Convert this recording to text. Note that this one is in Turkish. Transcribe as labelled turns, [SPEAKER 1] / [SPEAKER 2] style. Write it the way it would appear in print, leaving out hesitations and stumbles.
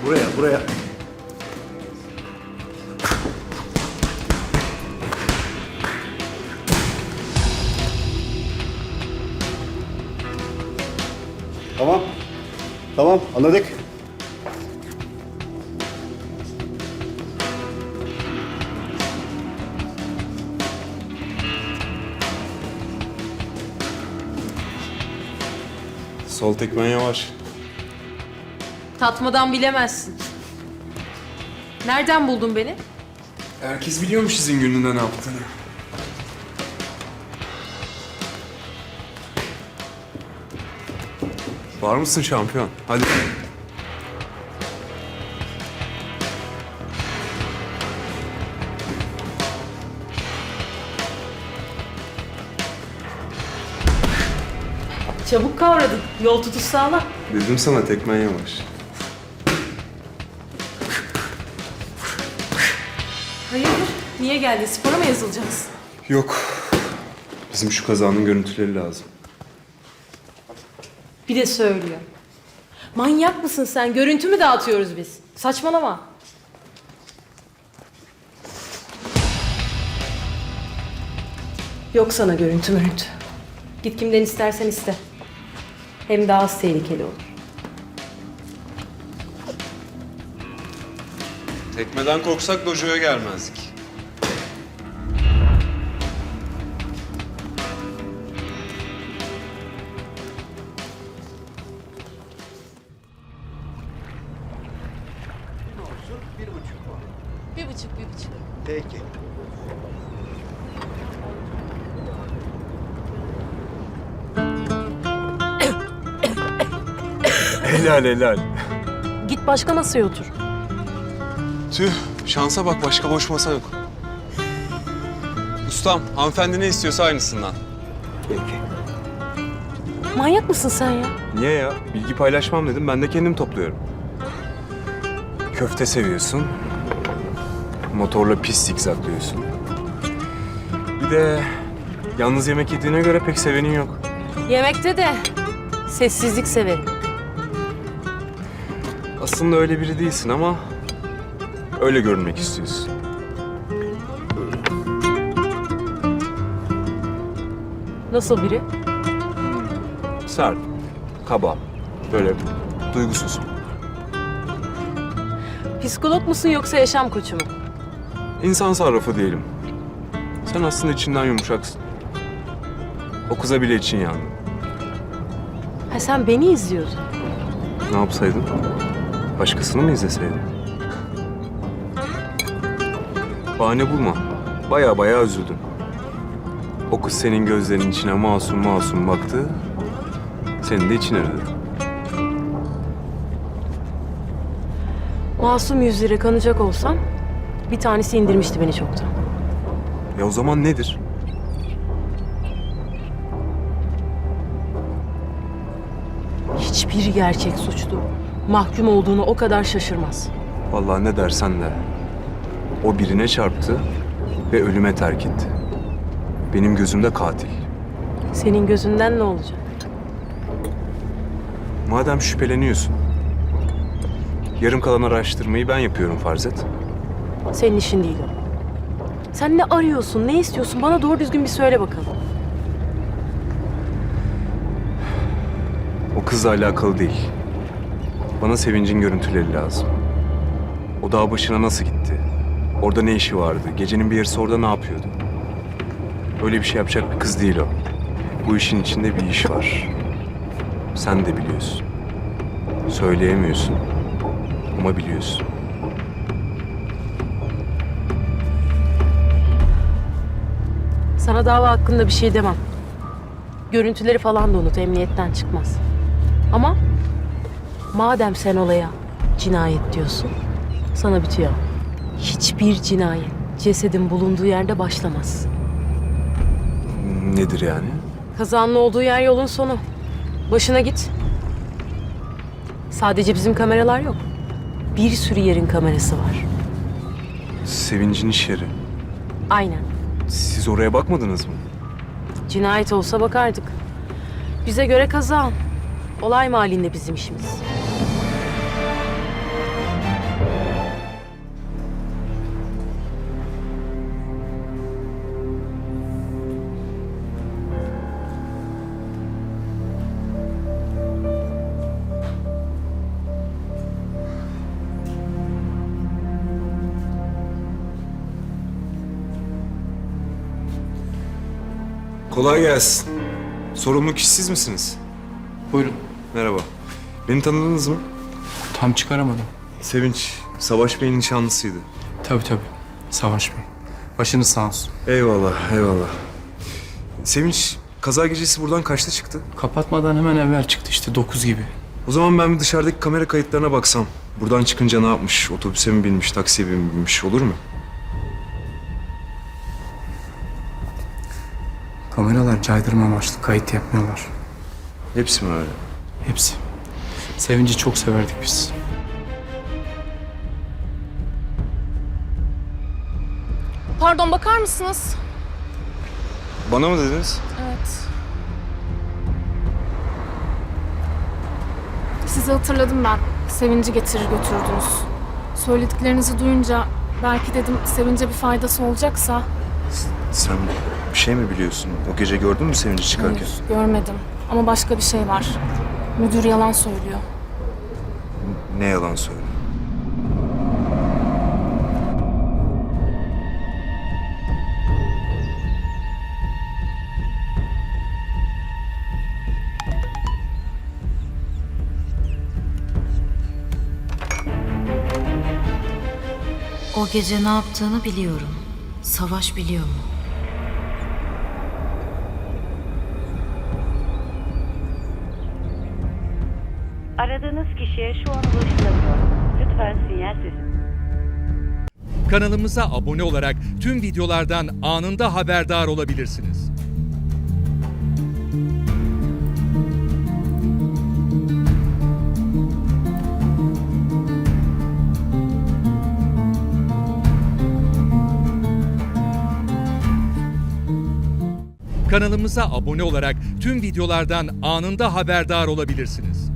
[SPEAKER 1] Buraya. Tamam, anladık.
[SPEAKER 2] Sol tekmen yavaş.
[SPEAKER 3] Tatmadan bilemezsin. Nereden buldun beni?
[SPEAKER 2] Herkes biliyormuş sizin gününde ne yaptığını. Var mısın şampiyon? Hadi.
[SPEAKER 3] Çabuk kavradın. Yol tutuş sağlam.
[SPEAKER 2] Dedim sana tekmen yavaş.
[SPEAKER 3] Hayırdır? Niye geldin? Spora mı yazılacağız?
[SPEAKER 2] Yok. Bizim şu kazanın görüntüleri lazım.
[SPEAKER 3] Bir de söylüyor. Manyak mısın sen? Görüntü mü dağıtıyoruz biz? Saçmalama. Yok sana görüntü mürüntü. Git kimden istersen iste. Hem daha az tehlikeli olur.
[SPEAKER 2] Tekmeden korksak dojoya gelmezdik.
[SPEAKER 3] Bir buçuk.
[SPEAKER 1] Peki.
[SPEAKER 2] Helal.
[SPEAKER 3] Git başka masaya otur.
[SPEAKER 2] Tüh, şansa bak başka boş masa yok. Ustam, hanımefendi ne istiyorsa aynısından.
[SPEAKER 1] Peki.
[SPEAKER 3] Manyak mısın sen ya?
[SPEAKER 2] Niye ya? Bilgi paylaşmam dedim, ben de kendim topluyorum. Köfte seviyorsun. Motorla pis zikzaklıyorsun. Bir de yalnız yemek yediğine göre pek sevenin yok.
[SPEAKER 3] Yemekte de sessizlik severim.
[SPEAKER 2] Aslında öyle biri değilsin ama öyle görünmek istiyorsun.
[SPEAKER 3] Nasıl biri?
[SPEAKER 2] Sert, kaba, böyle duygusuz.
[SPEAKER 3] Psikolog musun yoksa yaşam koçu mu?
[SPEAKER 2] İnsan sarrafı diyelim. Sen aslında içinden yumuşaksın. O kıza bile için yandı.
[SPEAKER 3] Ha sen beni izliyordun.
[SPEAKER 2] Ne yapsaydın? Başkasını mı izleseydin? Bahane bulma. Baya üzüldüm. O kız senin gözlerinin içine masum baktı. Senin de için aradı.
[SPEAKER 3] Masum yüzlere kanacak olsam bir tanesi indirmişti beni çoktan.
[SPEAKER 2] Ya o zaman nedir?
[SPEAKER 3] Hiçbir gerçek suçlu mahkum olduğunu o kadar şaşırmaz.
[SPEAKER 2] Vallahi ne dersen de. O birine çarptı ve ölüme terk etti. Benim gözümde katil.
[SPEAKER 3] Senin gözünden ne olacak?
[SPEAKER 2] Madem şüpheleniyorsun, yarım kalan araştırmayı ben yapıyorum farz et.
[SPEAKER 3] Senin işin değil o. Sen ne arıyorsun, ne istiyorsun? Bana doğru düzgün bir söyle bakalım.
[SPEAKER 2] O kızla alakalı değil. Bana Sevinç'in görüntüleri lazım. O dağ başına nasıl gitti? Orada ne işi vardı? Gecenin bir yarısı orada ne yapıyordu? Öyle bir şey yapacak bir kız değil o. Bu işin içinde bir iş var. Sen de biliyorsun. Söyleyemiyorsun ama biliyorsun.
[SPEAKER 3] Sana dava hakkında bir şey demem. Görüntüleri falan da unut, emniyetten çıkmaz. Ama madem sen olaya cinayet diyorsun, sana bitiyor. Hiçbir cinayet cesedin bulunduğu yerde başlamaz.
[SPEAKER 2] Nedir yani?
[SPEAKER 3] Kazanın olduğu yer yolun sonu. Başına git. Sadece bizim kameralar yok. Bir sürü yerin kamerası var.
[SPEAKER 2] Sevinç'in iş yeri.
[SPEAKER 3] Aynen.
[SPEAKER 2] Siz oraya bakmadınız mı?
[SPEAKER 3] Cinayet olsa bakardık. Bize göre kaza. Olay mahallinde bizim işimiz.
[SPEAKER 2] Kolay gelsin. Sorumlu kişi siz misiniz?
[SPEAKER 4] Buyurun.
[SPEAKER 2] Merhaba. Beni tanıdınız mı?
[SPEAKER 4] Tam çıkaramadım.
[SPEAKER 2] Sevinç, Savaş Bey'in nişanlısıydı.
[SPEAKER 4] Tabii. Savaş Bey. Başınız sağ olsun.
[SPEAKER 2] Eyvallah, eyvallah. Sevinç, kaza gecesi buradan kaçta çıktı?
[SPEAKER 4] Kapatmadan hemen evvel çıktı işte 9 gibi.
[SPEAKER 2] O zaman ben bir dışarıdaki kamera kayıtlarına baksam. Buradan çıkınca ne yapmış? Otobüse mi binmiş, taksiye mi binmiş olur mu?
[SPEAKER 4] Kameralar caydırma amaçlı kayıt yapmıyorlar.
[SPEAKER 2] Hepsi mi öyle?
[SPEAKER 4] Hepsi. Sevinci çok severdik biz.
[SPEAKER 5] Pardon, bakar mısınız?
[SPEAKER 2] Bana mı dediniz?
[SPEAKER 5] Evet. Sizi hatırladım ben. Sevinci getirir götürdünüz. Söylediklerinizi duyunca belki dedim Sevinç'e bir faydası olacaksa.
[SPEAKER 2] Sen bir şey mi biliyorsun? O gece gördün mü Sevinç'i çıkarken?
[SPEAKER 5] Hayır, görmedim. Ama başka bir şey var. Müdür yalan söylüyor.
[SPEAKER 2] Ne yalan söylüyor?
[SPEAKER 6] O gece ne yaptığını biliyorum. Savaş biliyor mu?
[SPEAKER 7] Aradığınız kişiye şu an ulaşılamıyor. Lütfen sinyal sesi.
[SPEAKER 8] Kanalımıza abone olarak tüm videolardan anında haberdar olabilirsiniz. Kanalımıza abone olarak tüm videolardan anında haberdar olabilirsiniz.